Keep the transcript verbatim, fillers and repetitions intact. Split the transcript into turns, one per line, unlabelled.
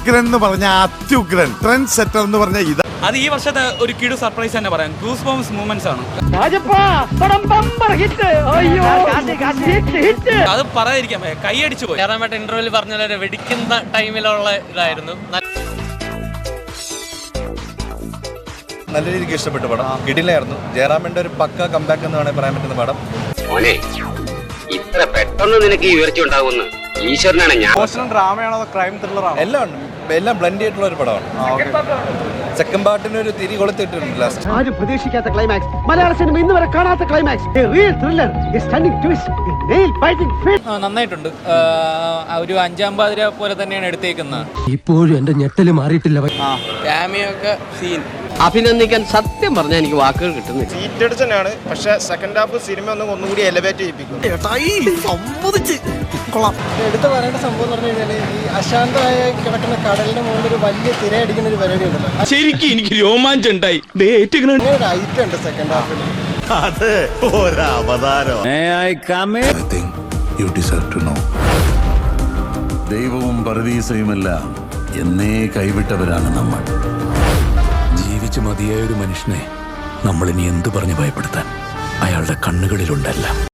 ഉഗ്രൻ എന്ന് പറഞ്ഞ അത്യുഗ്രൻ, ട്രെൻഡ് സെറ്റർ എന്ന് പറഞ്ഞ ഇത്.
അത് ഈ വർഷത്തെ ഒരു കിടു സർപ്രൈസ് തന്നെ പറയാം. ഗൂസ് ബോംസ് മൂവ്മെന്റ്സ് ആണ്. അത് പറയാതിരിക്കാൻ കൈയടിച്ചു പോയി.
ജയറാമേട്ട ഇന്റർവ്യൂവിൽ പറഞ്ഞ പോലെ വെടിക്കുന്ന ടൈമിലുള്ള ഇതായിരുന്നു.
നല്ല രീതിക്ക് ഇഷ്ടപ്പെട്ടു പടം. കിടിലായിരുന്നു. ജയറാമിന്റെ ഒരു പക്ക കംബാക്ക് എന്ന് വേണമെങ്കിൽ പറയാൻ പറ്റുന്ന പടം.
മോനെ ഇത്ര പെട്ടെന്ന് നിനക്ക് ഈ ഉയർച്ച ഉണ്ടാവുമെന്ന് ഈശ്വരനാണ് ഞാൻ.
ഡ്രാമയാണോ ക്രൈം ത്രില്ലറാണോ? എല്ലാം ഉണ്ട്. എല്ലാം ബ്ലെൻഡ് ചെയ്തിട്ടുള്ള ഒരു പടമാണ്. സെക്കൻഡ് പാർട്ടിന് ഒരു തിരി കൊളുത്തിട്ടുണ്ട് ലാസ്റ്റ്.
ആരും പ്രതീക്ഷിക്കാത്ത ക്ലൈമാക്സ്, മലയാള സിനിമ ഇന്ന് വരെ കാണാത്ത climax, real thriller, stunning twist, nail biting fit.
നന്നായിട്ടുണ്ട്. ഒരു അഞ്ചാം പാതിര പോലെ തന്നെയാണ് എടുത്തേക്കുന്നത്.
ഇപ്പോഴും എന്റെ ഞെട്ടല് മാറിയിട്ടില്ല.
ക്യാമിയൊക്കെ സീൻ
അഭിനന്ദിക്കാൻ സത്യം പറഞ്ഞാൽ എനിക്ക് വാക്കുകൾ കിട്ടുന്നില്ല.
സീറ്റ് അടിച്ചാണ്, പക്ഷെ സെക്കൻഡ് ഹാഫ് സിനിമ ഒന്നും ഒന്നുകൂടി എലവേറ്റ് ചെയ്യിപ്പിക്കും.
എടുത്തു പറയേണ്ട സംഭവം എന്ന് പറഞ്ഞു കഴിഞ്ഞാൽ ഈ അശാന്തമായ കിടക്കുന്ന കടലിന്റെ മുകളിൽ ഒരു വലിയ തിരയടിക്കുന്ന ഒരു പരിപാടി ഉണ്ടല്ലോ.
ശരിക്കും എനിക്ക് രോമാഞ്ചം ഉണ്ടായി.
ഒരു ഐറ്റം ഉണ്ട് സെക്കൻഡ് ഹാഫിൽ.
അത് ഒരവതാരം.
ദൈവവും പരദീസയുമെല്ലാം എന്നേ കൈവിട്ടവരാണ് നമ്മൾ. ജീവിച്ചു മതിയായ ഒരു മനുഷ്യനെ നമ്മൾ ഇനി എന്തു പറഞ്ഞ് ഭയപ്പെടുത്താൻ? അയാളുടെ കണ്ണുകളിലുണ്ടല്ല.